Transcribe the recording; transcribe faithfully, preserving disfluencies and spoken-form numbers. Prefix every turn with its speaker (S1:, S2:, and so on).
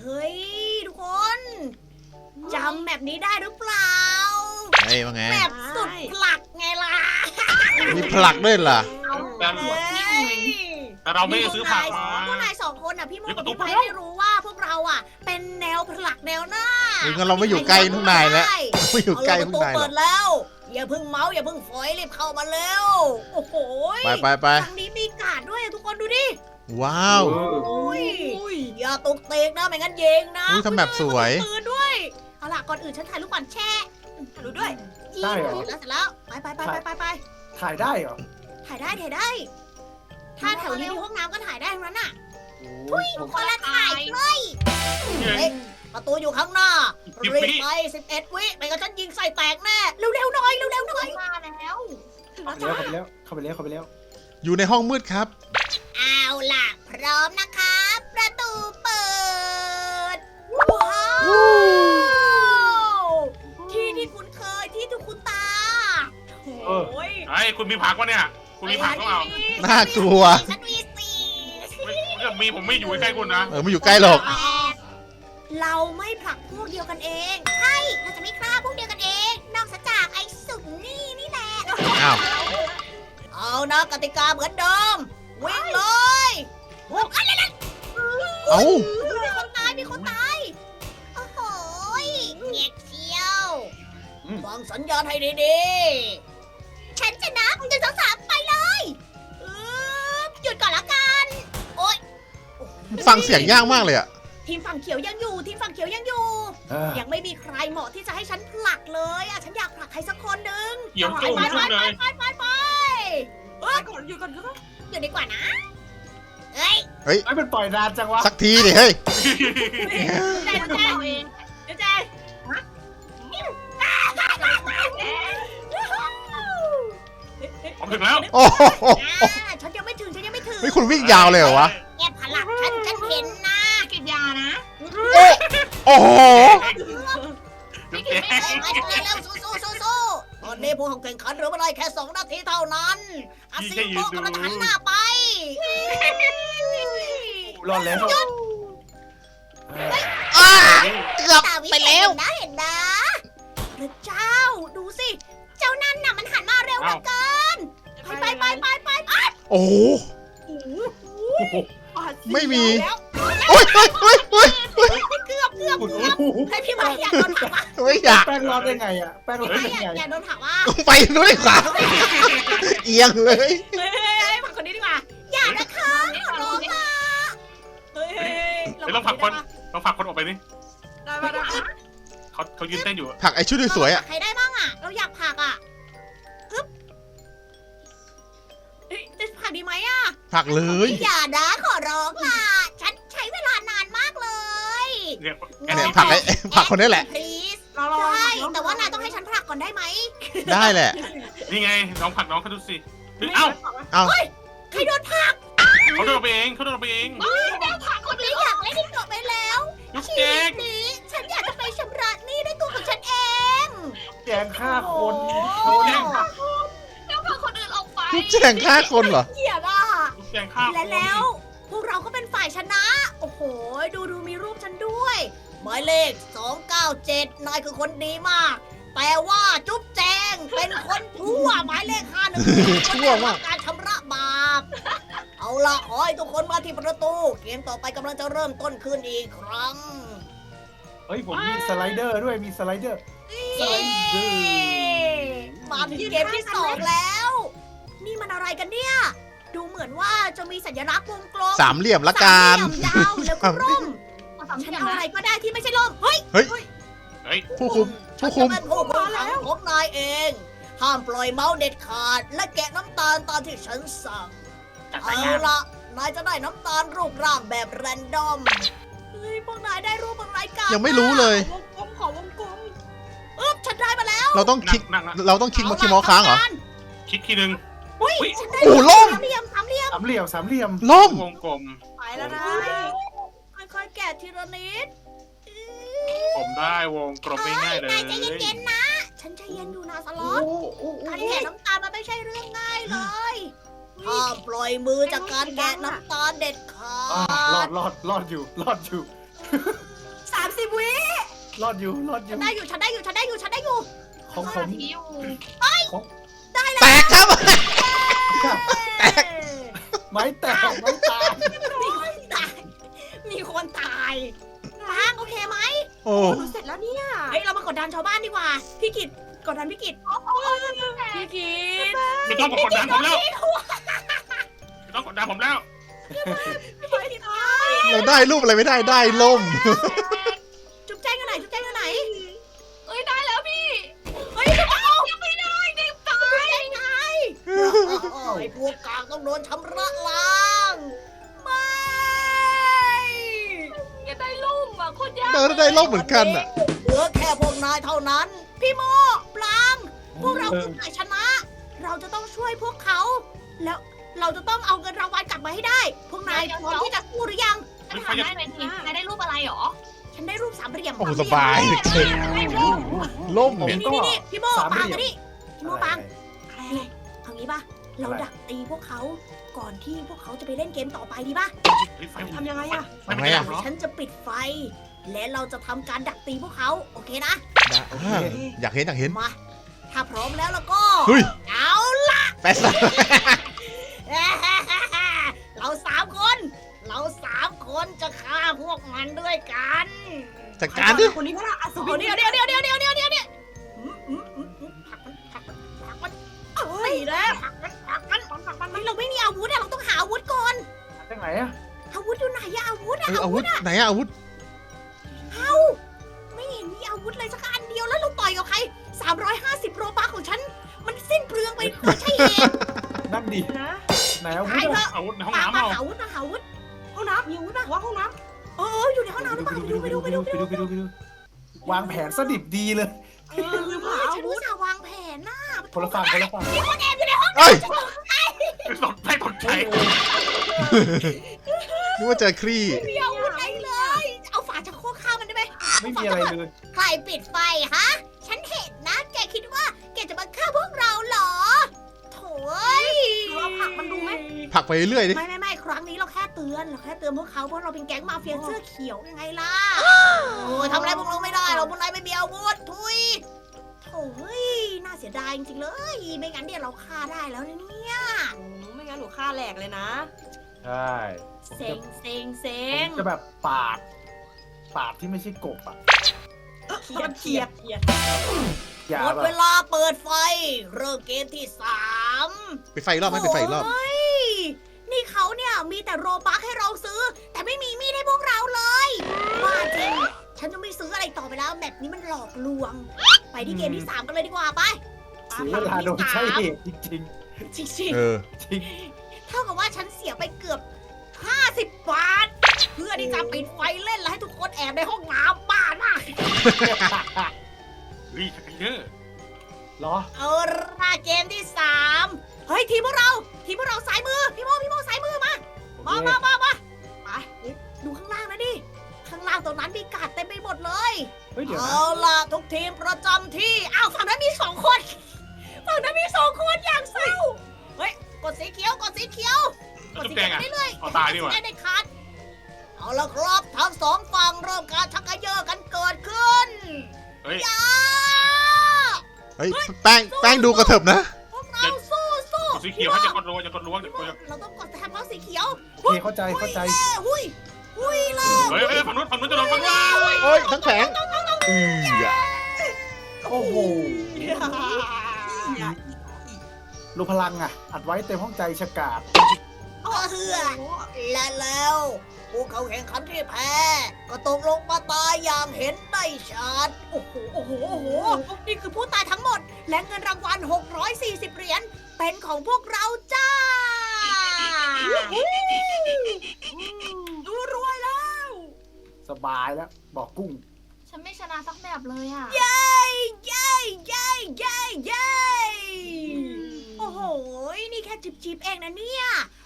S1: ฮ้ยทุกคนจำแบบนี้ได้หรือเปล่า
S2: เฮ้ยว่าไง
S1: แบบสุดผลักไงล่ะ
S2: มีผลักด้วยเหรอ
S3: แต่
S1: เฮ้ย
S3: แต่เราไม่ได้ซื้อผักมา
S1: พวกนายสองคนอ่ะพี่โม
S3: เฮ้ย
S1: กับ
S3: ประตู
S1: พี่ไพ
S3: เปิดแล้ว
S1: ไม่รู้ว่าพวกเราอ่ะ เป็นแนวผลักแนวหน้า
S2: เฮ้ยงั้นเราไม่อยู่ใกล้พวกนายแล้ว ไม่อยู่ใกล้
S1: เอา
S2: พ
S1: ละ
S2: ว
S1: ประตู
S2: กนายหร
S1: เปิ
S2: อก
S1: ดแล้ว อย่าเพิ่งเมาส์อย่าเพิ่งฝอยรีบเข้ามาเร็วโอ้โห
S2: ไปไปไป
S1: ทางนี้มีการ์ดด้วยอะทุกคนดูดิ
S2: ว้าว
S1: โอ้ยอย่าตกเตกนะไม่งั้นยิงนะ
S2: อุ๊ยทำแบบสวย
S1: มีปืนด้วยเอาล่ะก่อนอื่นฉันถ่ายรูปก่อนแช่ถ่ายรูปด้วย
S4: ได้เหรอ
S1: แล้วเสร็จแล้วไปไปไปไปไปไป
S4: ถ่ายได้เหรอ
S1: ถ่ายได้ถ่ายได้ ถ้าแถวนี้มีห้องน้ำก็ถ่ายได้ทั้งนั้นน่ะ
S4: โอ้ยผม
S1: คนละถ่ายเลยเฮ้ยประตูอยู่ข้างหน้ารีบไปสิบเอ็ดวิไม่งั้นฉันยิงใส่แตกแน่เร็วๆหน่อยเร็วๆหน่อยมาแล้วถึง
S4: เข้า
S1: แล้ว
S4: ไป
S1: จ้า
S4: แล้วเข้าไปแล้วเข้าไปแล้ว
S2: อยู่ในห้องมืดครับ
S1: เอาล่ะ พร้อมนะครับ ประตูเปิด ว้าวที่ที่คุ้นเคยที่ทุกคุณตาโอ้ย
S3: ไอ้คุณมีผักวะเนี่ย คุณมีผักก็เอา
S2: น่ากลัว
S1: ฉันมีสี่
S3: ไม่ถ้ามีผมไม่อยู่ใกล้คุณนะ
S2: เออไม่อยู่ใกล้หรอก
S1: เราไม่ผลักพวกเดียวกันเอง ใช่ เราจะไม่ฆ่าพวกเดียวกันเอง นอกจากไอ้สุนนี่นี่แหละ
S2: อ้าว
S1: เอานะกติกาเหมือนเดิม วิ่งเลยโอ้ยอะไรนั่น
S2: เอ้า
S1: มีคนตาย มีคนตาย โอ้โหยเงียบเชียวฟังสัญญาณให้ดีๆ ฉันจะนับหนึ่งสองสามไปเลยอึ๊บหยุดก่อนละกัน โอ๊ย
S2: ฟังเสียงยากมากเลยอะ
S1: ทีมฝั่งเขียวยังอยู่ ทีมฝั่งเขียวยังอยู่
S4: เออ
S1: ยังไม่มีใครเหมาะที่จะให้ฉันผลักเลยอ่ะ ฉันอยากผลักใครสักคนหนึ่ง
S3: เดี๋ยว
S1: ไป
S3: จุ่ม
S1: ไป
S3: จุ่มเลย
S1: ไปไปไปเอ้ยก่อนอยู่ก่อนก็อยู่ดีกว่านะ เฮ้ย
S4: ไอ้เป็นปล่อยนานจังวะ
S2: สักทีดิเฮ้ย
S1: ใจใจเองเดี๋ยวใจ
S3: ผมถึงแล้ว
S2: โอ้โห
S1: อ่าฉันยังไม่ถึง ฉันยังไม่ถึง
S2: ไม่คุณวิ่งยาวเลยเหรอวะ
S1: แกผลักฉัน ฉันเห็นนะกินยานะ
S2: โอ้โห
S3: จุ๊บแจ๊
S1: เอ้ยมาเร็วๆสู้สู้สู้สู้ตอนนี้ผู้แข่งขันเหลือเวลาแค่สองนาทีเท่านั้นอาซิโกะกำลังจะหันหน้าไป
S4: รอดแล้วเออ
S2: อ้าเกือบไปแล้ว
S1: นะเห็นนะพระเจ้าดูสิ เจ้านั่นน่ะมันหันมาเร็วเหลือเกิน ไปไปไปไปไป
S2: โอ้โห
S1: โอ้โห
S2: ไม่มี
S1: แล้ว
S2: โอ้ยเฮ้ยเฮ้ยเฮ้ยเฮ้ย
S1: เกือบเกือบ
S4: โอ้
S1: เกือบ
S4: โห
S1: ให้พี่มาอยากโดนถามว่า
S2: ไม่อยาก
S4: แป้งรอดได้ไงอ่ะแป้งรอด
S1: ไม่
S4: ได้
S1: อยาก
S4: ไง
S1: อยากโดนถามว่า
S2: ไปนู้นเลยค่ะเอียงเลย
S1: เฮ้ยเฮ้ยผักคนนี้ดีกว่า อย่านะคะขอร้องค่ะเฮ้ยเฮ้ย
S3: เฮ้ยเราผลักคนเราผลักคนออกไปนี่
S1: ได้ปะได้ปะ
S3: เขาเขายืนเต้นอยู่
S2: ผักไอชุดสวยๆอะ
S1: ใครได้บ้างอ่ะ เราอยากผักอ่ะอึ๊บเฮ้ยจะผักดีไหมอ่ะ
S2: ผักเลย
S1: อย่านะขอร้องล่ะ ฉันใช้เวลานานมากเลย
S3: เนี่ย
S2: เนี่ยผักไอผักคนนี้แหละ
S1: please ใช่แต่ว่านายต้องให้ฉันผลักก่อนได้ไหม
S2: ได้แหละ
S3: นี่ไงน้องผลักน้องเขาดูสิเฮ้ยเอ้า
S2: เอ้า
S1: ใครโดนผลัก
S3: เขาเดินไปเองเขาเดินไปเอง
S1: โดนผลักคนนี้อยากเล่นที่เกาะไปแล้ว
S3: จุ๊บ
S1: ชี
S3: แจ๊
S1: วิ
S3: ก
S1: ตนี้ฉันอยากจะไปชำระหนี้ด้วยตัวของฉันเอง
S4: แกงฆ่าคน
S1: โอ้
S4: โด
S1: โห
S4: น
S1: แล้วพาคนอื่นออกไป
S2: ทุกแจงฆ่าคนเหรอ
S1: เกลียดอ่ะ
S3: จุ๊บแจงข้าว
S1: และแล้ว พวกเราก็เป็นฝ่ายชนะ โอ้โห ดูดูมีรูปฉันด้วย หมายเลข สองเก้าเจ็ด นายคือคนดีมาก แต่ว่าจุ๊บแจงเป็นคนชั่วหมายเลขห้าหนึ่ง
S2: ชั่วมาก
S1: การชำระบาป เอาล่ะ ขอให้ทุกคนมาที่ประตู เกมต่อไปกำลังจะเริ่มต้นขึ้นอีกครั้ง
S4: เฮ้ยผมมีสไลเดอร์ด้วยมีสไลเดอร์
S1: เย้มาถึงเกมที่สองแล้ว นี่มันอะไรกันเนี่ย ดูเหมือนว่าจะมีสัญลักษณ์วงกลม
S2: สามเหลี่ยมละกัน
S1: สามเหลี่ยมยาวแล้วก็ร่มฉันเอาอะไรก็ได้ที่ไม่ใช่ร่ม เฮ้ย
S3: เฮ้ย
S2: ผู้คุม
S1: ฉั
S2: ผู้
S1: น
S2: คุ
S1: จะ
S2: ม
S1: เป็นผู้คุมขังของนายเอง ห้ามปล่อยเมาส์เด็ดขาด และแกะน้ำตาลตามที่ฉันสั่ง
S3: จัด
S1: เอา
S3: การ
S1: ละนายจะได้น้ำตาลรูปร่างแบบแรนดอม เฮ้ย พวกนายได้รูปอะไรกัน
S2: ยังไม่รู้เลย
S1: วงกลมขอวงกลมอึ๊บฉันได้มาแล้ว
S2: เราต้องคลิก
S3: นั่งนั่ง
S2: เราต้องคลิกมาคีย์เมาส์ค้างเหรอ
S3: คิดทีนึง
S1: อุ้ย
S3: อุ๊ย
S1: ฉันได้
S2: โอ้ล่ม
S1: สามเหลี่ยมสามเหลี่ยม
S4: สามเหลี่ยมสามเหลี่ยม
S2: ล่ม
S3: วงกลม
S1: ไปแล้วนะ ค่อยๆแกะทีละนิด
S3: ผมได้วงกลมง่ายๆเล
S1: นาย ยใจเย็นๆนะ ฉันใจเย็นอยู่นะสล็อต การแกะน้ำตาลมันไม่ใช่เรื่องง่ายเลยห้ามปล่อยมือจากการแกะน้ำตาลเด็ดขา
S4: อ่ารอ
S1: ด
S4: ดรอดรอดอยู่รอดอยู่
S1: ฉ
S4: รอดอยู่รอดอ
S1: ฉั
S4: ยู่
S1: นได้อยู่ฉันได้อยู่ฉันได้อยู่ฉันได้อยู่
S4: ของผม
S5: พี่อยู่
S2: แตกครับ
S4: ไม้แตกไม้ตาย
S1: มีคนตายมีคนตายฟางโอเคไหม
S2: โอ้
S1: หนูเสร็จแล้วเนี่ยเฮ้ยเรามากดดันชาวบ้านดีกว่าพี่กิตกดดันพี่กิตพี่กิต
S3: ไม่ต้องมากดดันผมแล้วไม่ต้องกดดันผมแล้ว
S1: พี่กิตตาย
S2: เราได้รูปอะไรไม่ได้ได้ล่ม
S1: จุ๊บแจ้งอยู่ไหนจุ๊บแจ้งอยู่ไหน
S5: เอ้ยได้แล้วพี่
S1: เฮ้ยจุ๊บเอายังไม่ได้เด็กตายไงไอ้พวกกลางต้องโดนชำระล้างไม่
S5: ยังได้ลุ่มอ่ะโคตรยาก
S2: เดินได้ล่มเหมือนกันอ่ะ
S1: เหลือแค่พวกนายเท่านั้น พี่โมปลางพวกเราคือฝ่ายชนะ เราจะต้องช่วยพวกเขา แล้วเราจะต้องเอาเงินรางวัลกลับมาให้ได้ พวกนายพร้อมที่จะสู้หรือยัง
S5: ฉันถามได้ไหมทีนายได้รูปอะไรหรอ
S1: ฉันได้รูปสามเหลี่ยม
S2: โอ้โหสบายเจ๋งล่ม
S4: ผม
S2: เนี่ย
S1: นี่
S4: ก็
S1: นี่นี่พี่โม
S4: สาม
S1: ปาง
S4: เหลี่ยม
S1: มานี่พี่โมปาง
S4: อะไร
S1: นี่เอางี้ป่ะ เราดักตีพวกเขาก่อนที่พวกเขาจะไปเล่นเกมต่อไปดีป่ะ
S3: ทำยังไงอะ
S2: ทำไงอ่ะ
S1: ฉันจะปิดไฟ และเราจะทำการดักตีพวกเขา โอเคนะ
S2: อ่าอยากเห็นอยากเห็น
S1: มา ถ้าพร้อมแล้วแล้วก็
S2: เฮ้ย
S1: เอา
S2: แปะซะ
S1: เราสามคน เราสามคนจะฆ่าพวกมันด้วยกัน
S2: จัดการดิ
S1: คนนี้พระอัศวินเดี๋ยวเดี๋ยวเดี๋ยวเดี๋ยวเดี๋ยวเดี๋ยวเดี๋ยวเดี๋ยวอืมอืมอืมอืมผลักมันผลักมันผลักมันเอ้ยแล้วผลักมันผลักมันผลักมันเฮ้ยเราไม่มีอาวุธอะเราต้องหาอาวุธก่อน
S4: จังไหนอะ
S1: อาวุธอยู่ไหนอะอาวุธ
S2: เอ
S1: อะ
S2: ออาวุธไหนอะอาวุธ
S1: เอาไม่เห็นมีอาวุธเลยสักอันเดียวแล้วเราต่อยกับใครสามร้อยห้าสิบโรบัคของฉัน มันสิ้นเปลืองไปไม่ใช่เหตุ
S4: นั่นดิ
S1: นะ
S4: ไหนเอาวุ
S1: ตาย
S4: ธ
S1: เถ
S4: อะ
S1: อะ
S3: อาวุธในห้อง
S1: มา
S3: น้ำ
S1: มา
S3: เอา
S1: หาอาวุธมาหาอาวุธห้องน้ำมีอาวุธป่ะว่าห้องน้ำเอออยู่ในห้องน้ำหรือเปล่าไปดูไปดูไปดูไปดู
S4: ไปดูไปดูวางแผนสดิบดีเลย
S1: เออลืมหาอาวุธฉันวางแผนน่ะ
S4: คนละฝั่งคนละฝั่ง
S1: มีคนแอบอยู่ในห้อง
S2: เอ้ย
S3: ตกใจตกใจ
S2: นึกว่าเจอครี่
S1: มีอาวุธไหนเลย เอาฝาชักโครกฆ่ามันได้ไหม
S4: ไม่มีอะไรเลย
S1: ใครปิดไฟฮะ ฉันเห็นนะ แกคิดว่าแกจะมาฆ่าพวกเราเหรอโถ่ยเราผลักมันดูไหม
S2: ผลักไปเรื่อยดิ
S1: ไม่ไม่ไม่ครั้งนี้เราแค่เตือนเราแค่เตือนพวกเขาเพราะเราเป็นแก๊งมาเฟียเสื้อเขียวยังไงล่ะ โอ้ยทำอะไรพวกเราไม่ได้เราพวกนายไม่มีอาวุธทุยโถ่เฮ้ยน่าเสียดายจริงๆเลย ไม่งั้นเดี๋ยวเราฆ่าได้แล้วนะเนี่ย
S6: ไม่งั้นหนูฆ่าแหลกเลยนะ
S4: ใช่ผม
S1: เซ็
S4: จะ
S1: งเซ็งเซ็
S4: ผ
S1: ง
S4: มจะแบบปาด ปาดที่ไม่ใช่กบอะ
S6: เขียดเขียดเขียด
S4: อย่า
S1: หมด
S4: แบ
S1: เว
S4: บ
S1: ลาเปิดไฟ เริ่มเกมที่สาม
S2: ไปไฟอีกรอบไหมไปไฟอีกรอบ
S1: โยนี่เขาเนี่ยมีแต่โรบัคให้เราซื้อ แต่ไม่มีมีดให้พวกเราเลยว่าจริง ฉันจะไม่ซื้ออะไรต่อไปแล้วแบบนี้มันหลอกลวง ไปที่เกมที่สามกันเลยดีกว่าไป
S4: เสียเวลาโดยใช่เหตุจริง
S1: จริง
S2: เออ
S4: ๆจริง
S1: ๆเท่ากับว่าฉันเสียไปเกือบห้าสิบบาท เพื่อที่จะปิดไฟเล่นและให้ทุกคนแอบในห้องน้ำบ้านมาก
S3: เฮ้ยชักกันเยอะ
S4: เหรอ
S1: เอาละเกมที่สามเฮ้ยทีมพวกเรา ทีมพวกเราซ้ายมือ พี่โมพี่โมซ้ายมือมา
S4: โอ
S1: มา
S4: เค
S1: มามามาไปดูข้างล่างนะดิ ข้างล่างตรงนั้นมีกาดเต็มไปหมดเลย
S4: เฮ้ยเดี๋ยวนะ
S1: เอาล่ะทุกทีมประจำที่ อ้าวฝั่งนั้นมีสองคน ฝั่งนั้นมีสองคนอย่างเศร้า เฮ้ย กดสีเขียว กดสีเขียว กด
S3: จุ๊บ
S1: สี
S3: แจ
S1: เขียว
S3: งอะ
S1: ได้เลย
S3: เอาตายดีกว่า
S1: ได้ในคัดเอาละครับ ทั้งสองฝั่งเริ่มการชักกระเยอะกันเกิดขึ้น
S3: เฮ้ย
S1: ยา
S2: เฮ้ยแป้งแป้งดูกระเถิบนะ
S1: พวกเราสู้สู้
S3: สีเขียวให้จะกดรั้วจะกดรั้วจะ
S1: พี่
S3: ก
S1: โม
S3: ดรั้ว
S1: เราต้องกดแทนเพราะสีเขียว
S4: โอเคเข้าใจเข้าใจ
S1: หุยหุยเลย
S3: เฮ้ยเฮ้ยฝั่งนู้นฝั่งนู้นจะโดนฝั่งนู้น
S2: เอ้ย ทั้งแผงอือ
S4: โอ้โหรูพลังอะอัดไว้เต็มห้องใจฉกาด
S1: เฮือและแล้ว ผู้เข้าแข่งขันที่แพ้ ก็ตกลงมาตายอย่างเห็นได้ชัด โอ้โห โอ้โห โอ้โห นี่คือผู้ตายทั้งหมด และเงินรางวัลหกร้อยสี่สิบเหรียญ เป็นของพวกเราจ้า ดูรวยแล้ว
S4: สบายแล้ว บอกกุ้ง
S5: ฉันไม่ชนะสักแบบเลยอ่ะ
S1: เย้เย้เย้เย้เย้โอ้โห นี่แค่จิบๆเองนะเนี่ย